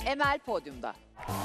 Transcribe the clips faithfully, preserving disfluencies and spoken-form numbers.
Emel podyumda.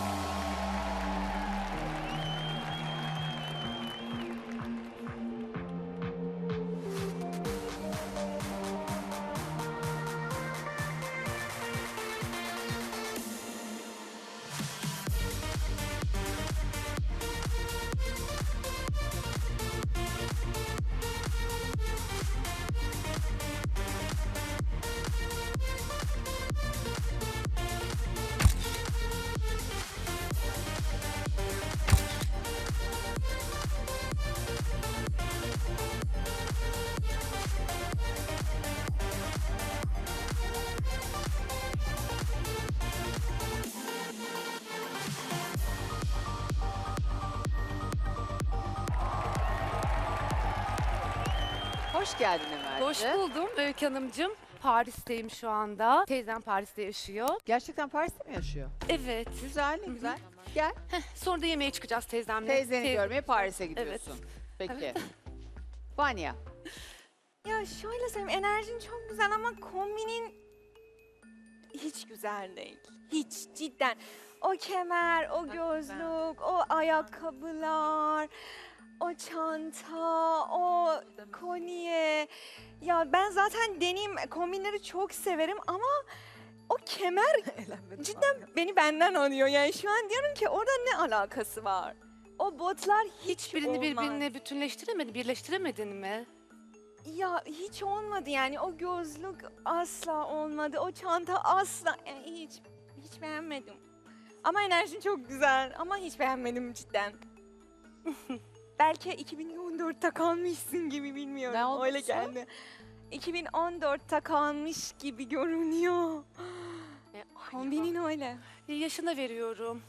Hoş geldin Emel'ciğim. Hoş buldum Öykü Hanımcığım. Paris'teyim şu anda. Teyzem Paris'te yaşıyor. Gerçekten Paris'te mi yaşıyor? Evet. Güzel, ne güzel. Gel. Sonra da yemeğe çıkacağız teyzemle. Teyzeni Teyze- görmeye Paris'e gidiyorsun. Peki. Vanya. Ya şöyle söyleyeyim, enerjin çok güzel ama kombinin hiç güzel değil. Hiç cidden. O kemer, o gözlük, o ayakkabılar, o çanta, o kolye. Ya ben zaten deneyim kombinleri çok severim ama o kemer cidden beni benden alıyor. Yani şu an diyorum ki orada ne alakası var? O botlar hiç Hiçbirini olmaz. birbirine bütünleştiremedin, birleştiremedin mi? Ya hiç olmadı yani o gözlük asla olmadı. O çanta asla yani hiç hiç beğenmedim. Ama enerjin çok güzel ama hiç beğenmedim cidden. Belki iki bin on dörtte kalmışsın gibi bilmiyorum. Ne olmuşsun? Öyle geldi. iki bin on dörtte kalmış gibi görünüyor. Kombinin öyle. E, Yaşına veriyorum.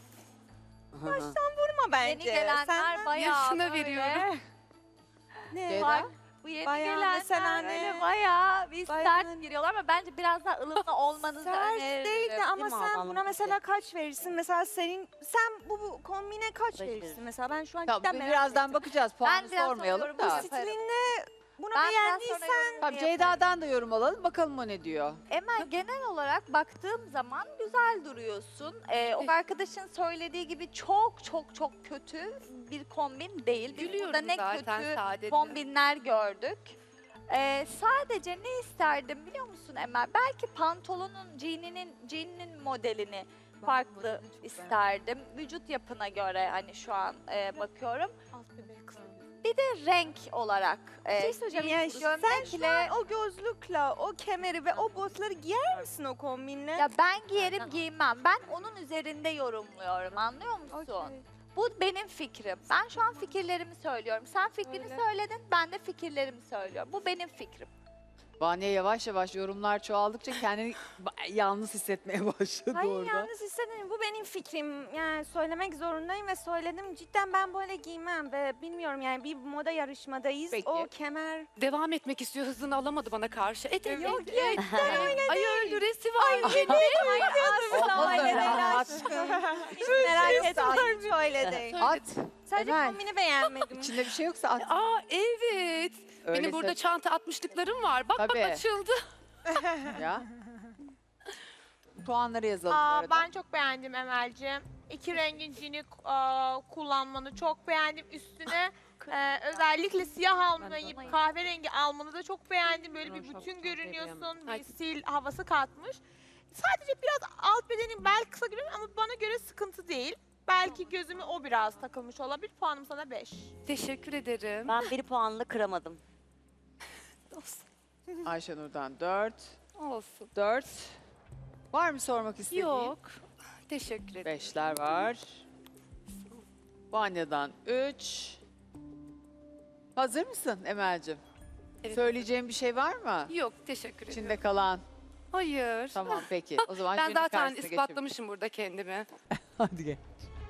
Ama bence. Yeni gelenler Sen bayağı Yaşına böyle. veriyorum. ne? Ceyda? Bu yeni Bayağı gelenler mesela ne? böyle bayağı bir Bayağı- sert giriyorlar ama bence biraz daha ılımlı olmanızı Sert öneririm. değil de ama Değil mi sen Alman buna mesela kaç verirsin? Mesela senin sen bu, bu kombine kaç Beş verirsin? veririm. Mesela ben şu an Tamam, cidden merak birazdan ettim. bakacağız. Puanı biraz sormayalım sonra da. yorum Bu stilinle bunu Ben biraz sonra beğendiysen yorumumu Tamam, yaparım. Ceyda'dan da yorum alalım. Bakalım o ne diyor. Emel genel olarak baktığım zaman güzel duruyorsun. Ee, o arkadaşın söylediği gibi çok çok çok kötü bir kombin değil. Biz Gülüyorum burada ne zaten kötü sadece. kombinler gördük. Ee, sadece ne isterdim biliyor musun Emel? Belki pantolonun, jeaninin, jeaninin modelini farklı isterdim. Vücut yapına göre hani şu an e, bakıyorum. Bir de renk olarak. bir E, şey söyleyeceğim. Yani sen şu gömlekle an o gözlükle, o kemeri ve o botları giyer misin o kombinle? ya ben giyerim giymem. Ben onun üzerinde yorumluyorum. Anlıyor musun? Okey. Bu benim fikrim. Ben şu an fikirlerimi söylüyorum. Sen fikrini Öyle. söyledin, ben de fikirlerimi söylüyorum. Bu benim fikrim. Vanya yavaş yavaş yorumlar çoğaldıkça kendini ba- yalnız hissetmeye başladı Hayır orada. yalnız hissedin. Bu benim fikrim. Yani söylemek zorundayım ve söyledim. Cidden ben böyle giymem ve bilmiyorum yani bir moda yarışmadayız. Peki. O kemer Devam etmek istiyor, hızını alamadı bana karşı. Et, et, Yok, et, et. Ay öldüresi var. asla öyle değil At. aşkım. Hiç merak etme. Hiç öyle değil. At. Sadece Emel. kombini beğenmedim. İçinde bir şey yoksa at. Aa evet. Benim Öyleyse- burada çanta atmışlıklarım var. Bak Tabii. bak açıldı. Ya. Puanları yazalım bu Aa, arada. ben çok beğendim Emel'ciğim. İki rengin cini aa, kullanmanı çok beğendim. Üstüne e, özellikle siyah almayıp kahverengi almanı da çok beğendim. Böyle bir bütün görünüyorsun. Ay. Bir stil havası katmış. Sadece biraz alt bedenin bel kısa görünüyor ama bana göre sıkıntı değil. Belki gözüme o biraz takılmış olabilir. Puanım sana beş. Teşekkür ederim. Ben bir puanla kıramadım. Ayşenur'dan dört. Olsun. dört. Var mı sormak istediğin? Yok. Teşekkür ederim. Beşler var. Vanya'dan üç. Hazır mısın Emel'cim? Evet. Söyleyeceğin bir şey var mı? Yok teşekkür ederim. İçinde kalan. Hayır. Tamam peki. O zaman Ben jürinin zaten karşısına geçelim. ispatlamışım burada kendimi. Hadi gel.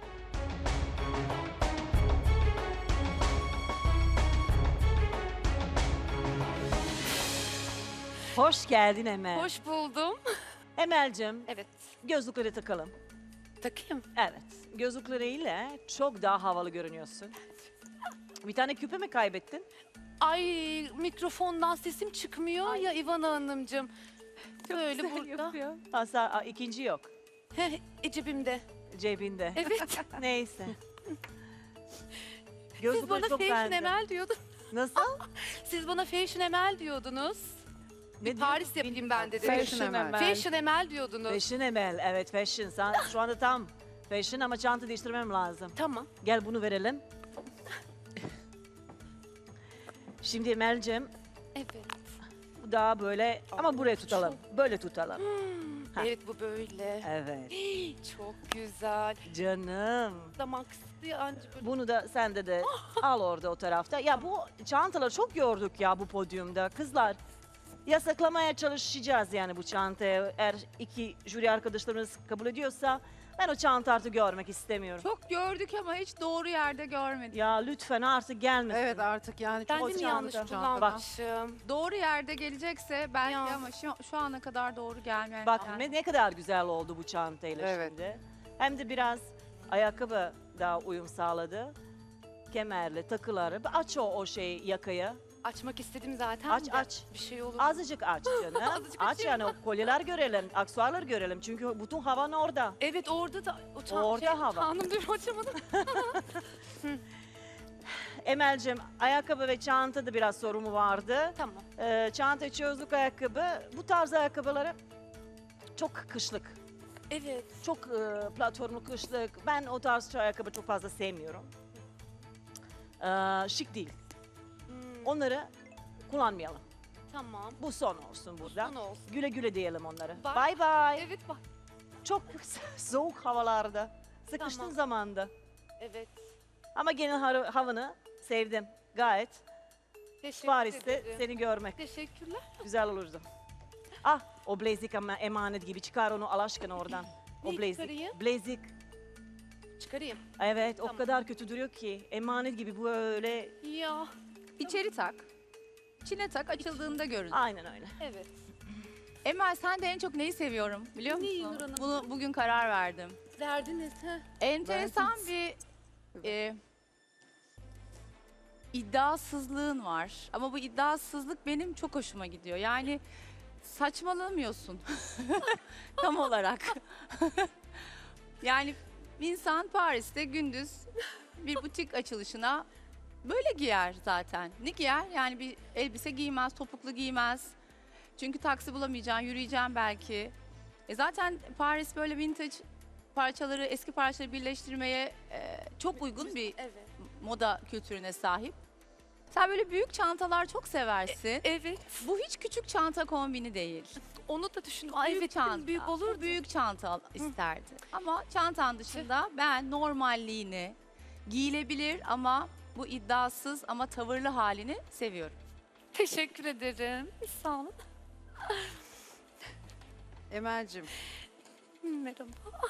Hoş geldin Emel. Hoş buldum. Emel'cim, Evet. gözlükleri takalım. Takayım. Evet, gözlükleriyle çok daha havalı görünüyorsun. Bir tane küpe mi kaybettin? Ay mikrofondan sesim çıkmıyor ya İvana Hanımcığım. Böyle burada. Hasan, aa, ikinci yok. Heh, e, cebimde. Cebinde. Evet. Neyse. Siz Gözlükleri bana çok fashion beğendim. emel diyordunuz. Nasıl? Siz bana fashion emel diyordunuz. Ne Bir Paris yapayım ben dedim. Fashion Emel. Fashion emel diyordunuz. Fashion Emel. Evet fashion. Sen şu anda tam fashion ama çanta değiştirmem lazım. Tamam. Gel bunu verelim. Şimdi Emel'cim Evet. bu daha böyle ama buraya tutalım. Böyle tutalım. Ha. Evet bu böyle. Evet. Çok güzel. Canım. Damak kısıtlı anca böyle. Bunu da sende de al orada o tarafta. Ya bu çantaları çok gördük ya bu podyumda. Kızlar yasaklamaya çalışacağız yani bu çantayı. Eğer iki jüri arkadaşlarımız kabul ediyorsa ben o çanta artık görmek istemiyorum. Çok gördük ama hiç doğru yerde görmedik. Ya lütfen artık gelmesin. Evet artık yani Ben çok de mi çanta- yanlış çanta. kullanmışım? Doğru yerde gelecekse belki Ya. ama şu, şu ana kadar doğru gelmeyen. Bak yani. ne ne kadar güzel oldu bu çantayla Evet. şimdi. Hem de biraz ayakkabı daha uyum sağladı. Kemerli, takıları. Aç o, o şeyi yakayı. Açmak istedim zaten. Aç de. aç. Bir şey olur. Azıcık aç canım. Azıcık aç açayım. yani o kolyeler görelim, aksesuarlar görelim. Çünkü bütün havan orada. Evet orada da. O çan- Orada şey, hava. Tanrım diyorum açamadım. Emel'cim ayakkabı ve çantada biraz sorumu vardı. Tamam. Ee, çanta çözlük ayakkabı. Bu tarz ayakkabıları çok kışlık. Evet. Çok e, platformlu kışlık. Ben o tarz ayakkabı çok fazla sevmiyorum. Ee, şık değil. Hmm, Onları kullanmayalım. tamam. Bu son olsun burada. Son olsun. Güle güle diyelim onları. Bye. Bye bye. Evet bak. Çok soğuk havalarda. Sıkıştığın Tamam. zamanda. Evet. Ama genel har- havanı sevdim. Gayet. Teşekkür Paris'te ederim. seni görmek Teşekkürler. güzel olurdu. Ah o blazik ama emanet gibi. Çıkar onu Allah aşkına oradan. O Neyi blazik. çıkarayım? Blazik. Çıkarayım. Evet o Tamam. kadar kötü duruyor ki. Emanet gibi böyle. Ya. İçeri tak. İçine tak açıldığında görün. Aynen öyle. Evet. Emel sen de en çok neyi seviyorum biliyor musun? Neyi Nur Hanım? Bunu bugün karar verdim. Verdiniz. Heh. Enteresan bir e, iddiasızlığın var. Ama bu iddiasızlık benim çok hoşuma gidiyor. Yani saçmalamıyorsun tam olarak. Yani insan Paris'te gündüz bir butik açılışına böyle giyer zaten. Ne giyer? Yani bir elbise giymez, topuklu giymez. Çünkü taksi bulamayacaksın, yürüyeceksin belki. E zaten Paris böyle vintage parçaları, eski parçaları birleştirmeye e, çok uygun bir Evet. moda kültürüne sahip. Sen böyle büyük çantalar çok seversin. Evet. Bu hiç küçük çanta kombini değil. Onu da düşündüm. Ay Büyük evet çanta. çanta. Büyük olur. Bu büyük çanta al- isterdi. Ama çantan dışında ben normalliğini, giyilebilir ama bu iddiasız ama tavırlı halini seviyorum. Teşekkür ederim. Sağ olun. Emel'cim Merhaba.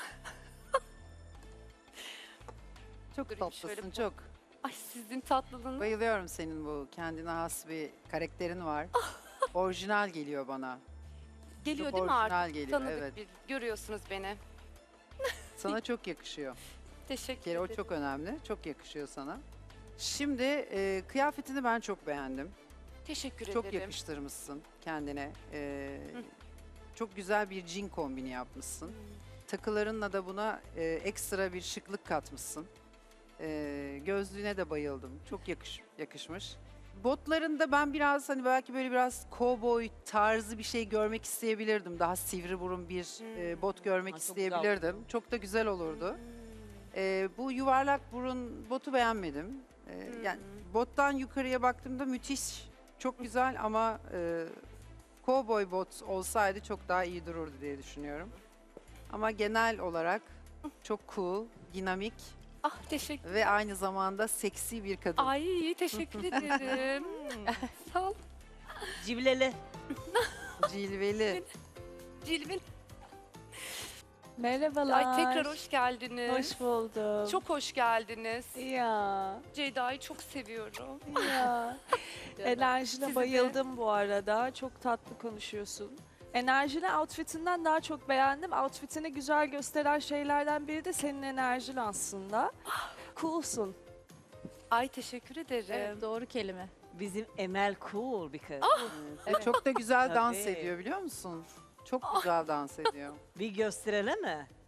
çok Durayım şöyle tatlısın bir- çok. Ay sizin tatlılığınız. Bayılıyorum senin bu kendine has bir karakterin var. Orijinal geliyor bana. Geliyor Çok değil mi orijinal artık? geliyor, Tanıdık evet. bir. Görüyorsunuz beni. Sana çok yakışıyor. Teşekkür Bir kere o ederim. çok önemli. Çok yakışıyor sana. Şimdi e, kıyafetini ben çok beğendim. Teşekkür Çok ederim. yakıştırmışsın kendine. E, çok güzel bir jean kombini yapmışsın. Takılarınla da buna e, ekstra bir şıklık katmışsın. E, gözlüğüne de bayıldım. Çok yakış, yakışmış. Botlarında ben biraz hani belki böyle biraz cowboy tarzı bir şey görmek isteyebilirdim. Daha sivri burun bir e, bot görmek Ha, çok güzel isteyebilirdim. Çok da güzel olurdu. E, bu yuvarlak burun botu beğenmedim. E, yani bottan yukarıya baktığımda müthiş, çok güzel ama e, cowboy bot olsaydı çok daha iyi dururdu diye düşünüyorum. Ama genel olarak çok cool, dinamik Ah teşekkür. ve aynı zamanda seksi bir kadın. Ay teşekkür ederim. Sağ ol. Civleli. Cilveli. Cilvin. Merhabalar. Ay tekrar hoş geldiniz. Hoş buldum. Çok hoş geldiniz. Ya, Ceyda'yı çok seviyorum. ya. Enerjine Sizi de. bayıldım bu arada. Çok tatlı konuşuyorsun. Enerjini outfitinden daha çok beğendim. Outfitini güzel gösteren şeylerden biri de senin enerjin aslında. Coolsun. Ay teşekkür ederim. Evet, doğru kelime. Bizim Emel cool bir kız. Ve çok da güzel dans Tabii. ediyor biliyor musun? Çok güzel dans ediyor. Bir gösterelim mi?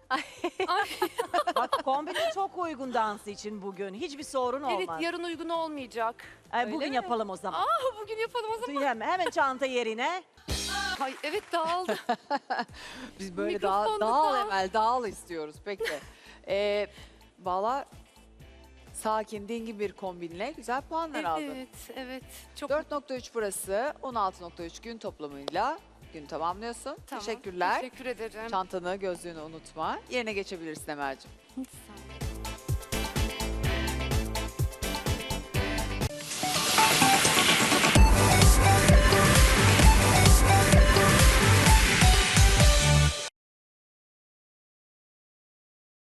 Bak kombinin çok uygun dans için bugün. Hiçbir sorun Evet, olmaz. yarın uygun olmayacak. Ay, bugün mi? yapalım o zaman. Bugün yapalım o zaman. Hemen, hemen çanta yerine. Ay, evet dağıldı. Biz böyle Mikrofonda dağ, dağıl dağıl. Emel, dağıl istiyoruz. Peki. ee, Valla sakin, dingin bir kombinle güzel puanlar aldın. Evet, evet. Çok dört nokta üç burası, on altı nokta üç gün toplamıyla gün tamamlıyorsun. Tamam, Teşekkürler. Teşekkür ederim. Çantanı, gözlüğünü unutma. Yerine geçebilirsin Emel'ciğim.